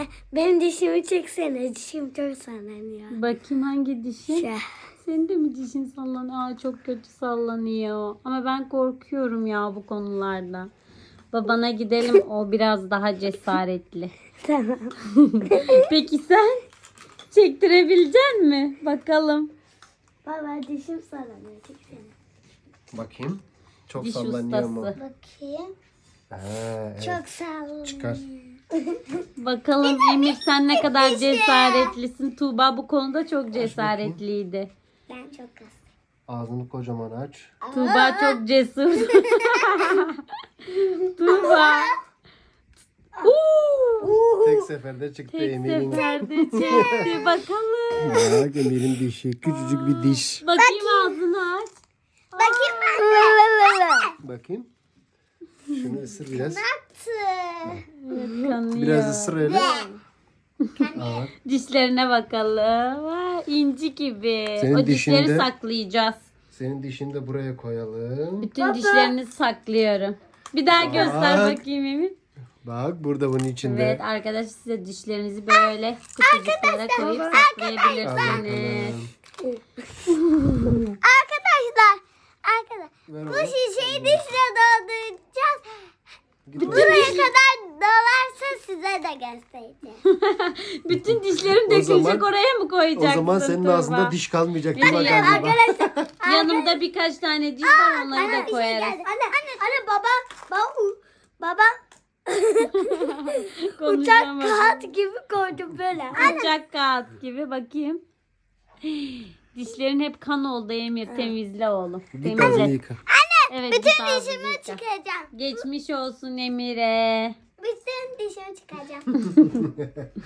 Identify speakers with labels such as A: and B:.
A: benim dişimi çeksene. Dişim çok sallanıyor.
B: Bakayım hangi dişin?
A: Şey.
B: Senin de mi dişin sallanıyor? Aa, çok kötü sallanıyor. Ama ben korkuyorum ya bu konularda. Babana gidelim, o biraz daha cesaretli.
A: Tamam.
B: Peki sen? Çektirebilecek mi? Bakalım.
A: Baba dişim sallanıyor. Çeksene.
C: Bakayım. Çok
B: Diş
C: sallanıyor mu?
B: ustası.
A: Bakayım.
C: Evet.
A: Çok sallanıyor.
C: Çıkar.
B: Bakalım Emir, sen ne kadar cesaretlisin. Tuğba bu konuda çok cesaretliydi.
A: Ben çok az.
C: Ağzını kocaman aç.
B: Tuğba çok cesur. Tuğba.
C: Tek seferde çıktı
B: Tek
C: Emir'in.
B: seferde çekti. Bakalım.
C: Bak Emir'in dişi. Küçücük bir diş.
B: Bakayım, ağzını aç.
A: Bakayım ben.
C: Bakayım. Şunu ısır biraz.
B: Kanıyor.
C: Biraz ısır öyle. Aa,
B: Dişlerine bakalım. Vay, inci gibi.
C: Senin
B: O dişleri
C: dişinde-
B: saklayacağız.
C: senin dişini de buraya koyalım.
B: Bütün dişlerini saklıyorum. Bir daha göster bakayım Emir.
C: Bak burada bunun içinde.
B: Evet arkadaşlar, size dişlerinizi böyle kutucuklara koyup
C: Al
B: saklayabilirsiniz.
C: bakalım.
A: Arkadaşlar.
C: Ver
A: Bu
C: onu.
A: şişeyi dişle dolduracağız.
C: Git
A: Buraya kadar dolarsa size de göstereceğim.
B: Bütün dişlerim
C: O
B: dökülecek,
C: zaman-
B: oraya mı
C: O
B: koyacaksın?
C: zaman senin
B: Tuğba?
C: ağzında diş kalmayacak. Dur
B: Evet,
C: bakalım.
A: Arkadaşlar.
B: Yanımda birkaç tane diş var, onları da
A: Bir şey
B: koyarız.
A: geldi. Anne baba uçak
B: Konuşamadım.
A: kağıt gibi koydum böyle.
B: Uçak kağıt gibi, bakayım. Dişlerin hep kan oldu Emir, temizle oğlum.
C: Git ağzını
B: Temizle.
C: yıka.
B: Evet, bütün
A: Dişimi çıkaracağım.
B: Geçmiş olsun Emir'e.
A: Bütün dişimi çıkaracağım.